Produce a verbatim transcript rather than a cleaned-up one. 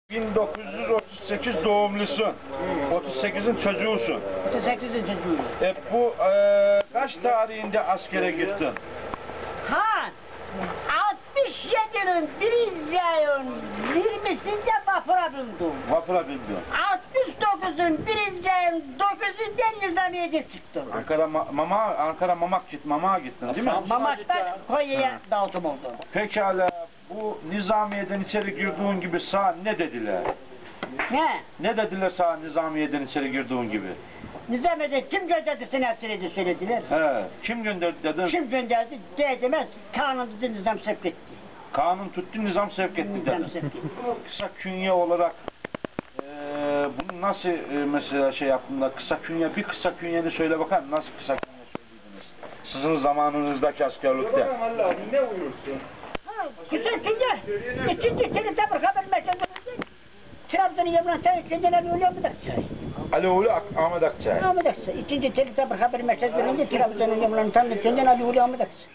bin dokuz yüz otuz sekiz doğumlusun. otuz sekizin çocuğusun. otuz sekizin çocuğu. E bu e, kaç tarihinde askere gittin? Ha, altmış yedinin birinci ayın yirmisinde vapura bindim. Vapura bindin. altmış dokuzun birinci ayın dokuzundan Nizamiye'de çıktım. Ankara ma mama Ankara mamak git mamağa gittin değil mi? Mamak'tan Konya'ya dağıtım oldu. Pekala bu Nizamiye'den içeri girdiğin gibi sağ ne dediler? Ne? Ne dediler sağ Nizamiye'den içeri girdiğin gibi? Nizamiye'de kim gönderdi seni hapsiredi söylediler. He, kim gönderdi dedin? Kim gönderdi? Demez. Kanun dedi Nizam sevk etti. Kanun tuttu nizam sevk etti Nizam dedin. sevk etti. Kısa künye olarak e, bunu nasıl e, mesela şey yaptığında kısa künye bir kısa künyeni söyle bakalım nasıl kısa künye söylediniz? Sizin zamanınızdaki askerlikte. Allah'ım ne uyursun? Ha, güzel günde. İkinci seni tabur haber merkezinde. Trabzon'un yanından kendine öyle mi daksa? Ali Oğlu Ahmet Akçay. Ahmet Aksa. İkinci seni tabur haber merkezinde Trabzon'un yanından kendine Ali Ulu Ahmet Aksa.